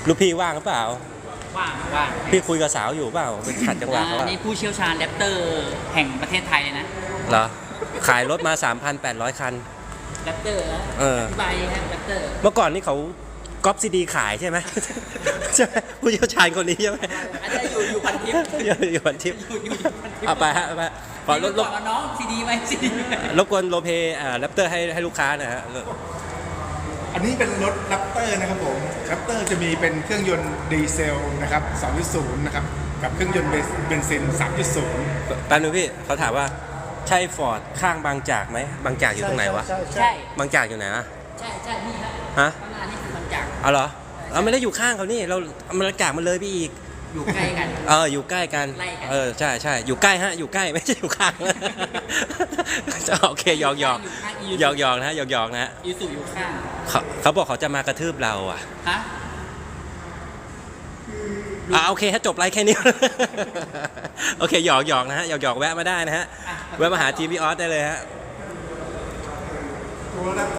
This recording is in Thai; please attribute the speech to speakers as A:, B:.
A: ลูกพี่ว่างหรือเปล่า
B: ว่าง
A: พี่คุยกับสาวอยู่เปล่าไปขัดจังหวะเขาอะ
B: นี่ผู้เชี่ยวชาญแรปเตอร์แห่งประเทศไทยเลยนะ
A: เหรอขายรถมา 3,800 คัน
B: แรปเตอร์นะอธิบายฮะแรปเตอร์
A: เมื่อก่อนนี่เขาก๊อปซีดีขายใช่ไหม ใช่ไหมผู้เชี่ยวชาญคนนี้ใช่ไหม
B: อาจจะอยู่พันทิป
A: อยู่พันทิป
B: อยู่พันทิป
A: เอาไปฮะเอาไปขอรบ
B: ก่อนน้องซีดีไหมซีดี
A: รบกวนโลเพแรปเตอร์ให้ลูกค้าหนะฮะ
C: อันนี้เป็นรถแรปเตอร์นะครับผมแรปเตอร์จะมีเป็นเครื่องยนต์ดีเซลนะครับ 2.0 นะครับกับเครื่องยนต์เบนซิน 3.0
A: แป๊บนึงพี่เขาถามว่าใช่ฟอร์ดข้างบางจากไหมบางจากอยู่ตรงไหนวะ
B: ใช่
A: บางจากอยู่ไหนอะ
B: ใช่นี่ครับ
A: ฮะ
B: ข้างหน้านี่คือบางจาก
A: เอาเหรอเราไม่ได้อยู่ข้างเขานี่เราบางจากมันเลยไปอีก
B: อยู่ใกล้กัน
A: อยู่ใกล้กัน
B: ใกล้กัน
A: ใช่อยู่ใกล้ฮะอยู่ใกล้ไม่ใช่อยู่ข้าง โอเคหยอกนะฮะหยอกนะฮะ
B: ยูสุอยู่ข้าง
A: เขาบอกเขาจะมากระทืบเราอ่ะ
B: ฮะ
A: โอเคฮะจบไลฟ์แค่นี้ โอเคหยอกนะฮะหยอกแวะมาได้นะฮะแวะมาหาทีมพี่ออสได้เลยฮะ